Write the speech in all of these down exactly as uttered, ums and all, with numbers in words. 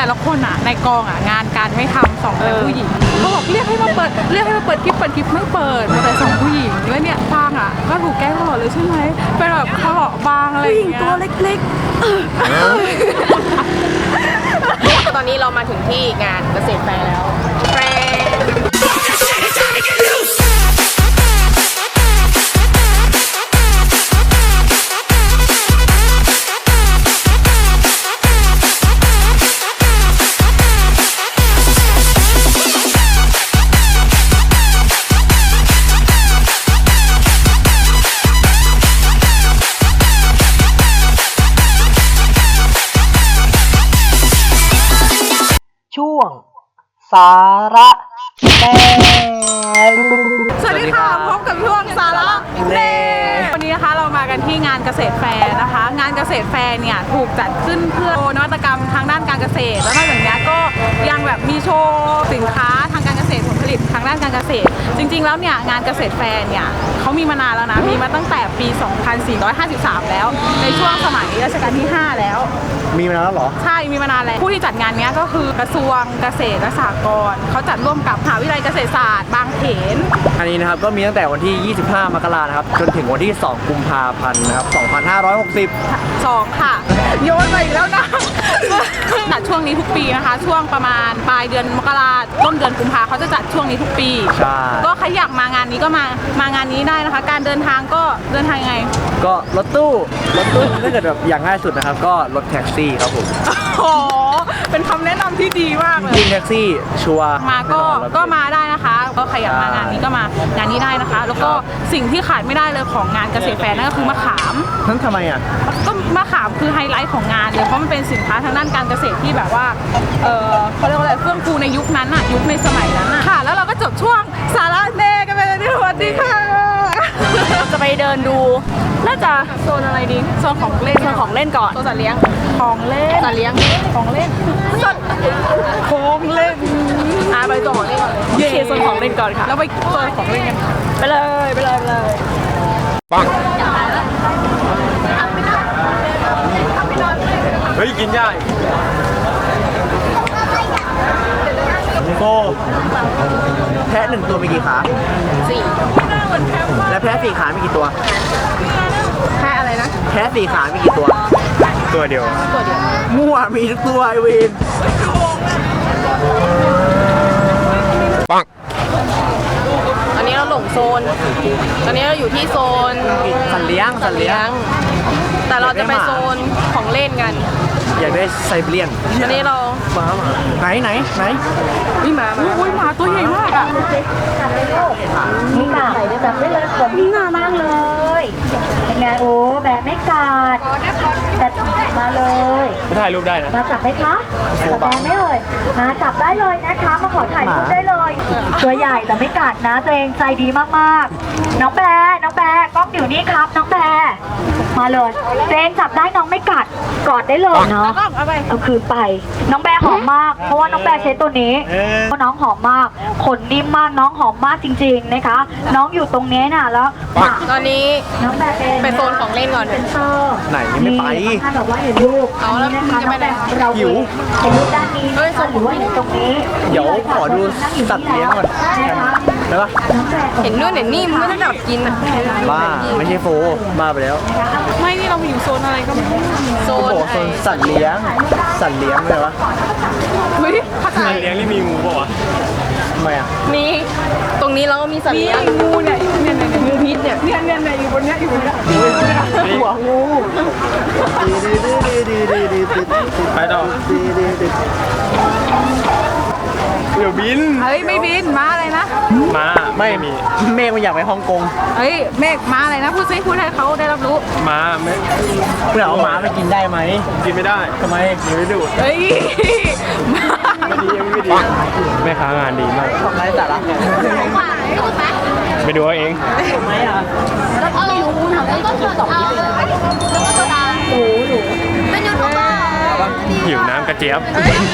แต่ละคนอ่ะในกองอ่ะงานการไม่ทำสองแต่ผู้หญิงเขาบอกเรียกให้มาเปิดเรียกให้มาเปิดคลิปเปิดคลิปไม่เปิดแต่สองผู้หญิงแล้วเนี่ยฟางอ่ะก็ถูกแกล้งตลอดเลยใช่ไหมเป็นแบบเขาหล่อบางอะไรอย่างเงี้ยผู้หญิงตัวเล็กๆตอนนี้เรามาถึงที่งานเกษตรแฟร์แล้วแฟช่วงสาระแน่สวัสดีค่ะพบกับช่วงสาระแน่วันนี้นะคะเรามากันที่งานเกษตรแฟร์นะคะงานเกษตรแฟร์เนี่ยถูกจัดขึ้นเพื่อนวัตกรรมทางด้านการเกษตรแล้วนอกจากนี้ก็ยังแบบมีโชว์สินค้าทางการเกษตรผลผลิตทางด้านการเกษตรจริงๆแล้วเนี่ยงานเกษตรแฟร์เนี่ยเขามีมานานแล้วนะมีมาตั้งแต่ปี สองพันสี่ร้อยห้าสิบสาม แล้วในช่วงสมัยรัชกาลที่ห้าแล้วมีมานานแล้วเหรอใช่มีมานานแล้วผู้ที่จัดงานนี้ก็คือกระทรวงเกษตรและสหกรณ์เขาจัดร่วมกับมหาวิทยาลัยเกษตรศาสตร์บางเขนอันนี้นะครับก็มีตั้งแต่วันที่ยี่สิบห้ามกราคมนะครับจนถึงวันที่สองกุมภาพันธ์นะครับสองพันห้าร้อยหกสิบสองค่ะโยนไปอีกแล้วนะจัดช่วงนี้ทุกปีนะคะช่วงประมาณปลายเดือนมกราต้นเดือนกุมภาเขาจะจัดช่วงนี้ทุกปีใช่ก็ใครอยากมางานนี้ก็มามางานนี้ได้นะคะการเดินทางก็เดินทางยังไงก็รถตู้รถตู้ถ้าเกิดแบบอย่างง่ายสุดนะครับก็รถแท็กซี่ครับผมโอ้เป็นคำแนะนำที่ดีมากเลยจริงแท็กซี่ชัวร์มาก็ก็มาได้นะคะก็ใครอยากมางานนี้ก็มางานนี้ได้นะคะแล้วก็สิ่งที่ขาดไม่ได้เลยของงานเกษตรแฟร์นั่นก็คือมะขามทั้งทำไมอ่ะก็มะขามคือไฮไลท์ของงานเลยเพราะมันเป็นสินค้าทางด้านการเกษตรที่แบบว่าเออเขาเรียกว่าอะไรเฟื่องฟูในยุคนั้นอ่ะยุคในสมัยนั้นอ่ะค่ะแล้วเราก็จบช่วงสาระเน่กันไปเลยสวัสดีค่ะจะไปเดินดูน่าจะโซนอะไรดีโซนของเล่นโซนของเล่นก่อนโซนสัตว์เลี้ยงของเล่นสัตว์เลี้ยงของเล่นสัตว์ของเล่นอ่ะไปตัวของเล่นก่อนโอเคโซนของเล่นก่อนค่ะแล้วไปโซนของเล่นกันไปเลยไปเลยไปเลยปังเฮ้ยกินยากโฟแพะหนึ่งตัวมีกี่ขาสี่และแพะสี่ขามีกี่ตัวแพะอะไรนะแพะสี่ขามีกี่ตัวตัวเดียวตัวเดียวมั่วมีทุกตัวไอวินปังตอนนี้เราหลงโซนตอนนี้เราอยู่ที่โซนสัตว์เลี้ยงสัตว์เลี้ยงแต่เราจะไปโซนของเล่นกันอยากได้ไซบีเรียนตอนนี้เราหมาไหนไหนไหนนี่หมาอุ้ยหมาตัวใหญ่มากอ่ะนี่ค่ะใส่ได้แบบไม่เลยผมนี่งามากเลยเป็นไงโอ้แบบไม่กัดแต่มาเลยถ่ายรูปได้นะมาจับไหมคะจับได้ไหมเอ่ยมาจับได้เลยนะคะมาขอถ่ายรูปได้เลยตัวใหญ่แต่ไม่กัดนะตัวเองใจดีมากๆน้องแบร์น้องแบร์กล้องอยู่นี่ครับน้องแบร์มาเลยตัวเองจับได้น้องไม่กัดกอดได้เลยเนาะเอาคืนไปน้องแบร์หอมมากเพราะว่าน้องแบร์ใช้ตัวนี้เพราะน้องหอมมากขนนิ่มมากน้องหอมมากจริงๆนะคะน้องอยู่ตรงนี้น่ะแล้วตอนนี้น้องแบร์เป็นไปโซนของเล่นก่อนเป็นเตอร์ไหนไม่ไปท่านบอกว่าเห็นลูกเอาแล้วมึงจะไปไหนเราหิวเห็นลูกด้านนี้นะคะหรือว่าเห็นตรงนี้เดี๋ยวขอดูสัตว์เลี้ยงก่อนได้ปะเห็นนู่นเห็นนี่มึงไม่ได้แบบกินอ่ะบ้าไม่ใช่โฟบ้าไปแล้วไม่นี่เราอยู่โซนอะไรก็ไม่รู้โซนโซนสัตว์เลี้ยงสัตว์เลี้ยงเลยวะเฮ้ยสัตว์เลี้ยงนี่มีงูป่าวะทำไมอ่ะมีตรงนี้เราก็มีสัตว์เลี้ยงงูเนี่ยเนี่ยเนี่ยงูพิษเนี่ยเนี่ยเนี่ยเนี่ยอยู่บนเนี้ยอยู่บนเนี้ยหัวงูไปต่อเดี๋ยวบินเฮ้ยไม่บินม้าอะไรนะม้าไม่มีเมฆมันอยากไปฮ่องกงเฮ้ยเมฆม้าอะไรนะพูดซิพูดให้เขาได้รับรู้ม้าไม่เพื่อเอาม้าไปกินได้ไหมกินไม่ได้ทำไมยังไม่ดูเฮ้ยไม่ดียังไม่ดีแม่ค้างานดีมากทำไรแต่ละไปดูเอาเองถูกไหมอ่ะแล้วก็ไม่รู้ทำได้ก็คือสองที่เลยแล้วก็โซดาโอ้โหเป็นยูทูบเบอร์หิวน้ำกระเจี๊ยบ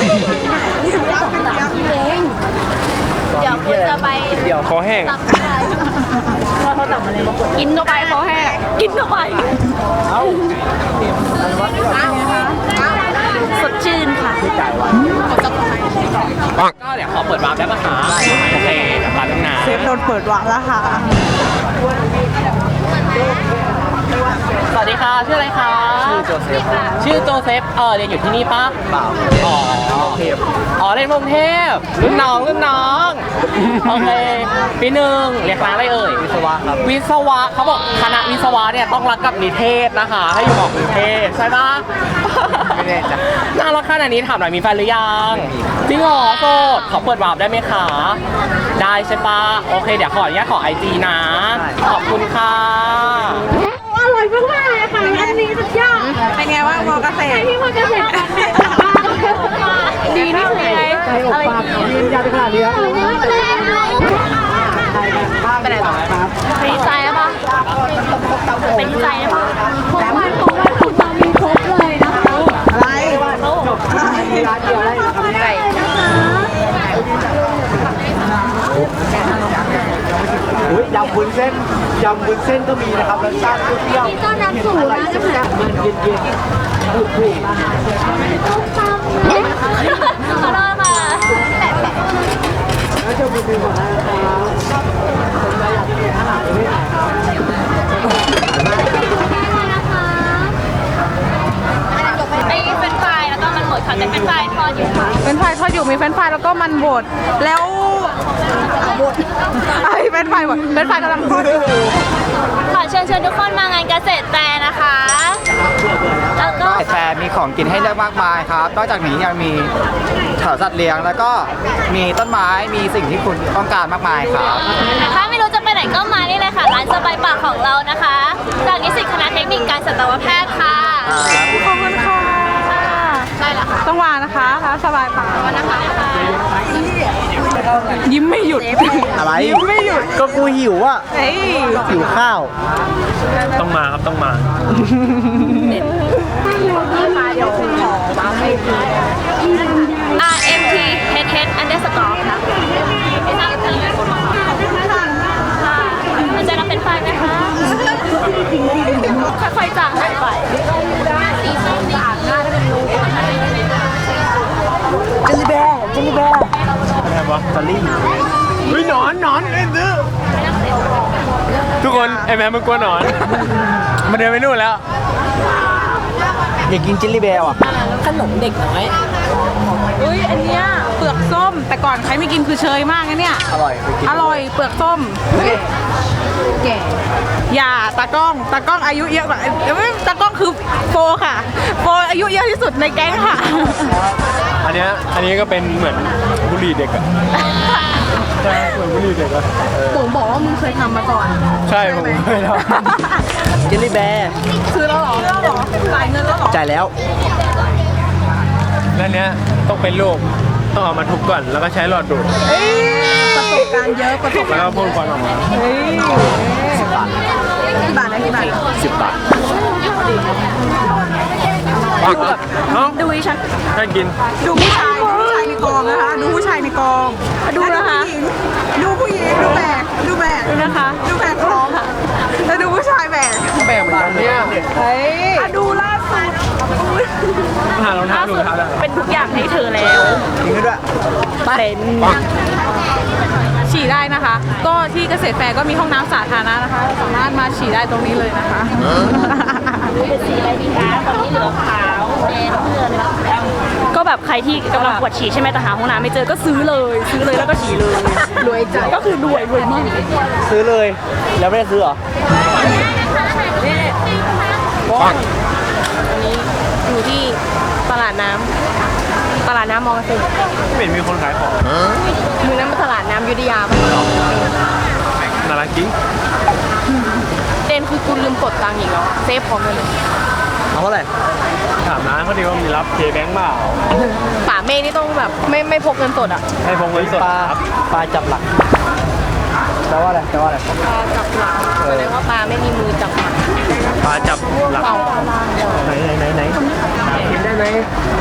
เดี๋ยวคุณจะไปเดี๋ยวคอแห้งว่าเขาจับอะไรมาปวดกินเข้าไปคอแห้งกินเข้าไปเอ้าสดชื่นค่ะเดี๋ยวขอเปิดวาร์ปได้ปะคะโอเคเดี๋ยวแป๊บนึงนะเซฟโดนเปิดวางแล้วค่ะสวัสดีค่ะชื่ออะไรคะชื่อโจเซฟชื่อโจเซฟเออเรียนอยู่ที่นี่ปะเปล่าอ๋ออ๋อเรียนกรุงเทพรุ่นน้องรุ่นน้องโอเคปีหนึ่งเรียนคณะอะไรเอ่ยวิศวะครับวิศวะเขาบอกคณะวิศวะเนี่ยต้องรักกับนิเทศนะคะให้อยู่กับนิเทศใช่ปะไม่แน่จ้ะน่ารักขนาดนี้ถามหน่อยมีแฟนหรือยังจริงเหรอโสดขอเปิดวาร์ปได้ไหมคะได้ใช่ปะโอเคเดี๋ยวขออนุญาตขอไอจีนะขอบคุณค่ะอร่อยมากๆเลยค่ะร้านนี้สุดยอดเป็นไงว่ามอเกษตรที่มันจะเสร็จดีนี่คือไงอะไรยืนยันขนาดนี้ครับไปไหนต่อไปที่ใจแล้วปะไปที่ใจแล้วปะของวันของวันคุณมามีครบเลยนะคะอะไรร้านเดียวได้ทำได้นะคะอุ้ยยำวุ้นเส้นยำวุ้นเส้นก็มีนะครับรสชาติเปรี้ยวนี่ก็น้ำสูตรนะจะแบบๆมันเย็นๆถูกต้มตำเนี่ยขอโทษค่ะๆแล้วจะมีหมดนะครับไอ้เป็นไฟแล้วก็มันหมดค่ะแต่เป็นไฟทอดอยู่ค่ะเป็นไฟทอดอยู่มีเฟรนช์ฟรายแล้วก็มันบดแล้วบดไอ้เป็นไฟบดเป็นไฟกำลังทอดอยู่ขอเชิญชวนทุกคนมางานเกษตรแฟร์นะคะ แล้วก็แฟร์มีของกินให้เลือกมากมายครับนอกจากนี้ยังมีแถวสัตว์เลี้ยงแล้วก็มีต้นไม้มีสิ่งที่คุณต้องการมากมายครับถ้าไม่รู้จะไปไหนก็มานี่เลยค่ะร้านสบายปากของเรานะคะจากนิสิตคณะเทคนิคการสัตวแพทย์ค่ะขอบคุณค่ะใช่ละค่ะต้องวางนะคะร้านสบายปากวันนะคะยิ้มไม่หยุดอะไรยิ้มไม่หยุดก็กูหิวอ่ะเฮ้ยหิวข้าวต้องมาครับต้องมา R M T H H underscore ค่ะมันจะรับเป็นไฟไหมคะค่อยๆจางหายไปสีส้มสะอาดมากเป็นรูจิลลี่แบร์จิลลี่แบร์อะไรวะสลี่เฮ้ยหนอนหนอนเอ็นซื้อทุกคนไอ้แม่มันกลัวหนอน มันเดินไปนู่นแล้วอยากกินจิลลี่แบร์อ่ะขนมเด็กน้อยอุ้ยอันเนี้ยเปลือกส้ม แต่ก่อนใครไม่กินคือเชยมากนะเนี่ยอร่อยไปกินอร่อยเปลือกส้มแก่อย่าตากล้องตากล้องอายุเยอะกว่าเดี๋ยวไม่ตากล้องคือโฟค่ะโฟอายุเยอะที่สุดในแก๊งค่ะอันเนี้ยอันนี้ก็เป็นเหมือนบุหรี่เด็กอะใช่เหมือนบุหรี่เด็กอะผมบอกว่ามึงเคยทำมาก่อนใช่ผมเคยทจิลลี่แบร์ซื้อแล้วเหรอซื้อแล้วเหรอจ่ายเงินแล้วเหรอจ่ายแล้วำแล้วเนี้ยต้องเป็นลูกต้องเอามาทุบก่อนแล้วก็ใช้หลอดดูดเอ้ยประสบการณ์เยอะประสบแล้วการณ์ก็พ่นควันออกมาเฮ้ยกี่บาทนะกี่บาทสิบบาทเอ้าดูดิฉันให้กินดูผู้ชายดูผู้ชายในกองนะคะ ดูผู้ชายในกองดูนะคะดูผู้หญิงดูแบกดูแบกดูนะคะ ดูแบกของแล้วดูผู้ชายแบกแบ่งเหมือนกันเนี่ยเฮ้ยอ่ะดูล่าสุดหารองเท้าดูเท้าได้เป็นทุกอย่างให้เธอแล้วกินกันด้วยเป็นฉี่ได้นะคะ ก็ที่เกษตรแฟร์ก็มีห้องน้ำสาธารณะนะคะ สามารถมาฉี่ได้ตรงนี้เลยนะคะเป็นสีอะไรดีคะตอนนี้เหลือขาวแดงเพื่อนก็แบบใครที่กำลังปวดฉี่ใช่ไหมแต่หาห้องน้ำไม่เจอก็ซื้อเลย ซื้อเลยแล้วก็ฉี่เลยรวยใจก็คือรวยรวยมากซื้อเลย แล้วไม่ได้ซื้อเหรออยู่ที่ตลาดน้ำตลาดน้ำมอเกษตรไม่เห็นมีคนขายของมือนั้นเป็นตลาดน้ำยุทธยาปะน่ารักจริงเดนคือกูลืมกดตังค์อีกแล้วเซฟพร้อมกันเลยเอาเท่าไหร่ถามร้านเขาดีว่ามีรับเคแบงค์เปล่าป่าเมฆนี่ต้องแบบไม่ไม่พกเงินสดอ่ะให้พงเงินสดปลาครับปลาจับหลักแปลว่าอะไรแปลว่าอะไรปลาจับหลักแสดงว่าปลาไม่มีมือจับหลักปลาจับหลักเปล่าไหนไหนไหนไหนกินได้ไหม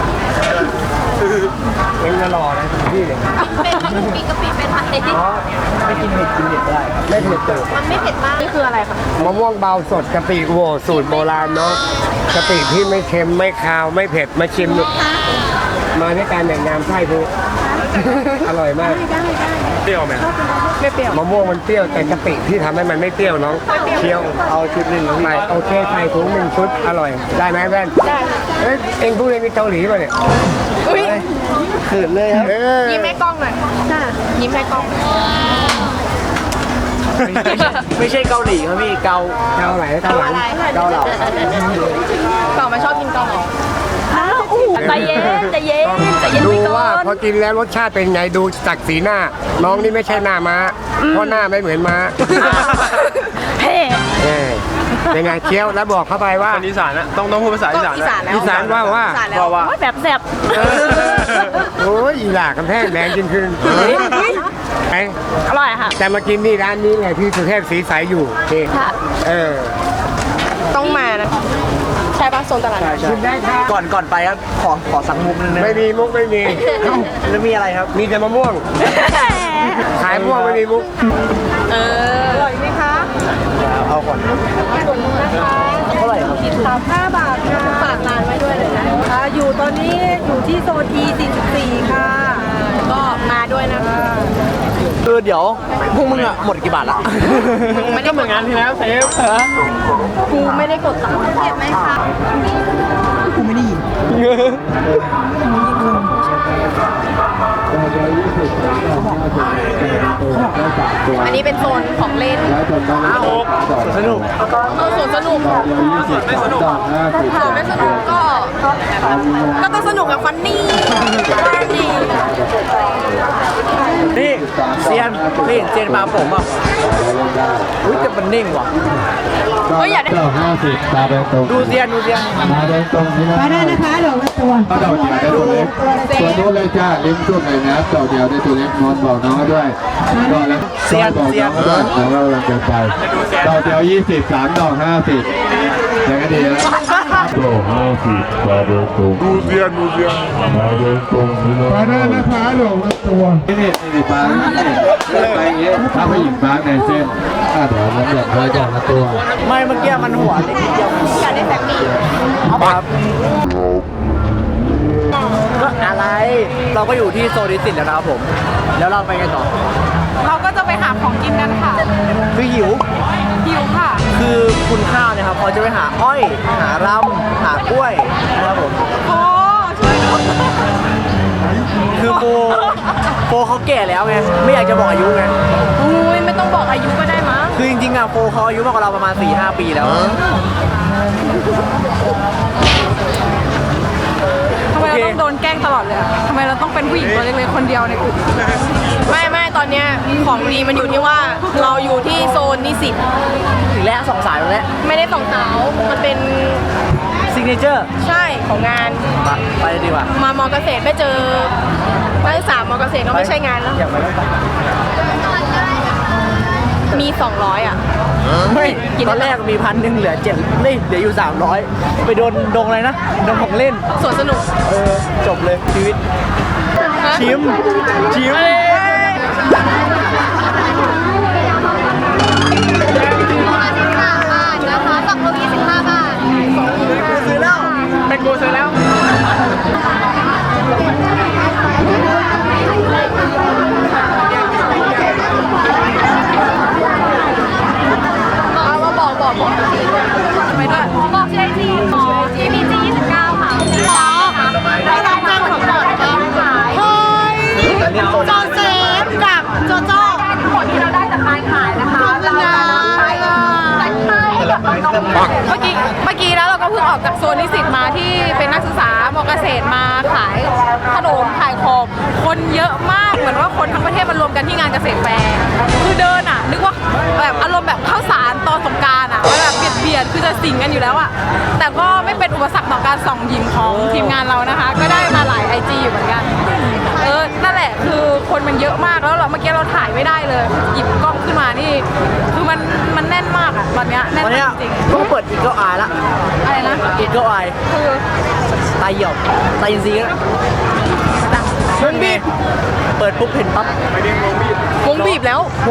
เอ็งจะรอนะพี่เลยเป็นปีกะปิเป็นผัดเด็ดอ๋อไม่กินเผ็ดกินเผ็ดได้ครับไม่เผ็ดเติมมันไม่เผ็ดมากนี่คืออะไรคะมะม่วงเบาสดกะปิโหวสูตรโบราณเนาะกะปิที่ไม่เค็มไม่คาวไม่เผ็ดมาชิมดูมาด้วยการแบ่งน้ำไส้พูอร่อยมากเปรี้ยวไหมไม่เปรี้ยวมะม่วงมันเปรี้ยวแต่กะปิที่ทำให้มันไม่เปรี้ยวน้องเคี้ยวเอาชุดหนึ่งไปโอเคใส่ถุงหนึ่งชุดอร่อยได้ไหมแว่นได้เอ้ยเอ็งพูดเองมีเกาหลีป่ะเนี่ยขืนเลยครับยิ้มให้กล้องหน่อยยิ้มให้กล้องไม่ใช่เกาหลีครับพี่เกาเกาไหนเกาหลังเกาเหลาเก่ามาชอบกินเกาเหลาใจเย็นใจเย็นใจเย็นดูไปก่ว่าอนพอกินแล้วรสชาติเป็นไงดูจากสีหน้า น้องนี่ไม่ใช่หน้าม้าเพราะหน้าไม่เหมือนม้าเฮ้เออเป็นไงเคี้ยวแล้วบอกเข้าไปว่าคนอีสานนะต้องต้องพูดภาษาอีสานอีสานแล้วอีสานว่าว่าว่าว่าโอ้ยแบบแสบโอ้ยอีหลากกำแพงแดงจริงคืนไอ้อร่อยค่ะแต่มากินนี่ร้านนี้ไงที่สุเทพสีใสอยู่นี่ค่ะเออต้องมานะใช่ปะโซนตลาดกินได้ครับก่อนก่อนไปครับขอขอสั่งมุกนึงนะไม่มีมุกไม่มีแล้วมีอะไรครับมีแต่มะม่วงขายมะม่วงไม่มีมุกเอออร่อยไหมคะเอาก่อนเท่าไหร่ครับสามห้าบาทค่ะฝากร้านไว้ด้วยเลยนะอ่าอยู่ตอนนี้อยู่ที่โซน E สี่สิบสี่ค่ะก็มาด้วยนะคะคือเดี๋ยวพวกมึงอะหมดกี่บาทละก็เหมือนงานที่แล้วเซฟกูไม่ได้กดตังค์เก็บไหมคะ อันนี้เป็นโซนของเล่นสนุกเออสวนสนุกสวนไม่สนุกสวนไม่สนุกก็ ก็ต้องสนุกกับฟันนี่ฟันนี่นี่เซียนนี่เห็นเซียนมาผมอ่ะอุ้ยแต่มันนิ่งว่ะเฮ้ยอยากได้เก้าห้าสิบตาแดงตรงดูเซียนดูเซียนตาแดงตรงนี่นะมาได้นะคะดอกละตัวดอกเดียวได้ตัวเล็กตัวนู้นเลยจ้าลิ้มจุ่มเลยนะดอกเดียวได้ตัวเล็กนอนบอกน้องด้วยดอกแล้วบอกน้องด้วยแล้วเรากำลังเดินไปดอกเดียวยี่สิบสามดอกห้าสิบอย่างนี้ดีแล้วดอกห้าสิบตาแดงตรงดูเซียนดูเซียนตาแดงตรงนี่นะมาได้นะคะดอกละตัวนี่นี่นี่ปางนี่ไปอย่างนี้ถ้าผู้หญิงปางในเส้นถ้าเดี๋ยวมันเดือดร้อนดอกละตัวไม่เมื่อกี้มันหัวเล็กนิดเดียวอยากได้แฟมิลี่ครับก็อะไร เราก็อยู่ที่โซนดิสิตแล้วนะครับผม แล้วเราไปกันต่อเราก็จะไปหาของกินกันค่ะคือหิวหิวค่ะคือคุณข้าวเนี่ยครับเขาจะไปหาอ้อย หารำหากล้วยนะครับผมโอ้ช่วยด้วยคือโฟโฟเขาแก่แล้วไง ไม่อยากจะบอกอายุไงอุ้ยไม่ต้องบอกอายุก็ได้มั้งคือจริงๆอ่ะโฟเขาอายุมากกว่าเราประมาณ สี่ห้า ปีแล้วทำไมเราต้องโดนแกล้งตลอดเลยอะทำไมเราต้องเป็นผู้หญิงตัวเล็กๆคนเดียวในกลุ่มไม่ไม่ตอนเนี้ยของดีมันอยู่ที่ว่าเราอยู่ที่โซนนิสิตถึงแล้วสองสายแล้วไม่ได้ส่องสาวมันเป็นซิกเนเจอร์ใช่ของงานไปเลยดีกว่ามามอเกษตรไม่เจอนักศึกษามอเกษตรก็ไม่ใช่งานแล้วอยากไปแล้วไปมี สองร้อย อ่ะไม่ตอนแรกมีพันหนึ่งเหลือเจ็ดนี่เหลืออยู่สามร้อยไปโดนดงอะไรนะดงของเล่นสวนสนุกเออ จบเลยชีวิต ชิม ชิม ซื้อแล้วเป็นกูซื้อแล้วเอามาบอกบอกบอกไปด้วยบอกชื่อไอจีอ๋อ จี พี จี ยี่สิบเก้าค่ะอ๋อเราทำงานของก่อนเองขายเฮ้ยโจเซฟกับโจโจ้ผลที่เราได้จากการขายนะคะเราจะนำไปจัดให้กับน้องๆเมื่อกี้ เมื่อกี้แล้วเราก็เพิ่งออกจากโซนนิสิตมาที่เป็นนักศึกษามอเกษตรมาขายขนมขายของคนเยอะมากเหมือนว่าคนทั้งประเทศมารวมกันที่งานเกษตรแฟร์คือเดินอ่ะนึกว่าแบบอารมณ์แบบข้าวสารตอนสงกรานต์อ่ะแบบเบียดเบียดคือจะสิงกันอยู่แล้วอ่ะแต่ก็ไม่เป็นอุปสรรคต่อการส่องยิงของทีมงานเรานะคะ ก็ได้มาหลายไอจีอยู่เหมือนกันเออนั่นแหละคือคนมันเยอะมากแล้วเราเมื่อกี้เราถ่ายไม่ได้เลยหยิบกล้องขึ้นมานี่คือมันมันแน่นมากอ่ะตอนเนี้ยแน่นวันเนี้มาย กจริงต้องเปิดอีกเกิลอายละๆอะไรนะอีกเกิลอายคือตายเหี่ยวตายอินทรีย์นะวงบีบเปิดปุ๊บเห็นปั๊บวงบีบแล้ววง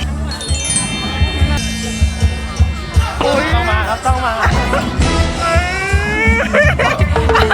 ต้องมาครับ ต้องมา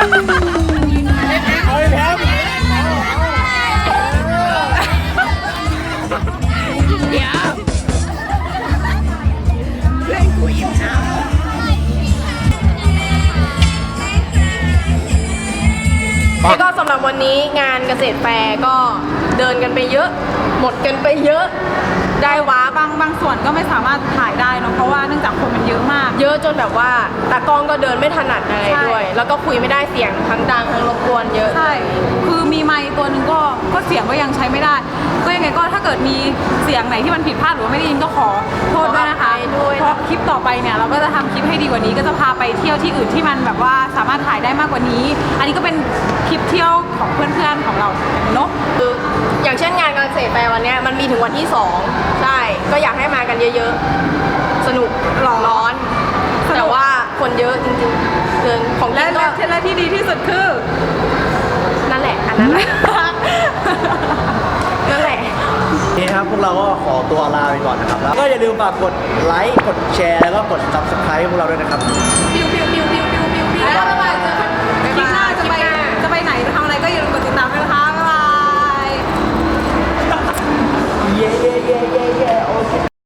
แล้วก็สำหรับวันนี้งานเกษตรแฟร์ก็เดินกันไปเยอะ หมดกันไปเยอะ ได้ว้าบางบางส่วนก็ไม่สามารถถ่ายได้เนอะเพราะว่าเนื่องจากคนมันเยอะมากเยอะจนแบบว่าตากล้องก็เดินไม่ถนัดอะไรใช่ด้วย แล้วก็คุยไม่ได้เสียงทั้งดังทั้งรบกวนเยอะใช่ คือมีไมค์ตัวหนึ่งก็ก็เสียงก็ยังใช้ไม่ได้ ก็ยังไงก็ถ้าเกิดมีเสียงไหนที่มันผิดพลาดหรือว่าไม่ได้ยินก็ขอโทษด้วยนะคะขออภัยด้วยเพราะคลิปต่อไปเนี่ยเราก็จะทำคลิปให้ดีกว่านี้ ก็จะพาไปเที่ยวที่อื่นที่มันแบบว่าสามารถถ่ายได้มากกว่านี้ อันนี้ก็เป็นคลิปเที่ยวของเพื่อนๆของเราเนอะคืออย่างเช่นงานเกษตรแฟร์วันเนี้ยมันมีถึงวันที่สองใช่ ก็อยากให้มากันเยอะๆ สนุกร้อน แต่ว่าคนเยอะจริงๆเดินของและเล่นและก็และที่ดีที่สุดคือนั่นแหละ อันนั้นแหละ นั่นแหละนี่ครับพวกเราก็ขอตัวลาไปก่อนนะครับ แล้วก็อย่าลืมฝากกดไลค์ กดแชร์ แล้วก็กด ซับสไครบ์ พวกเราด้วยนะครับ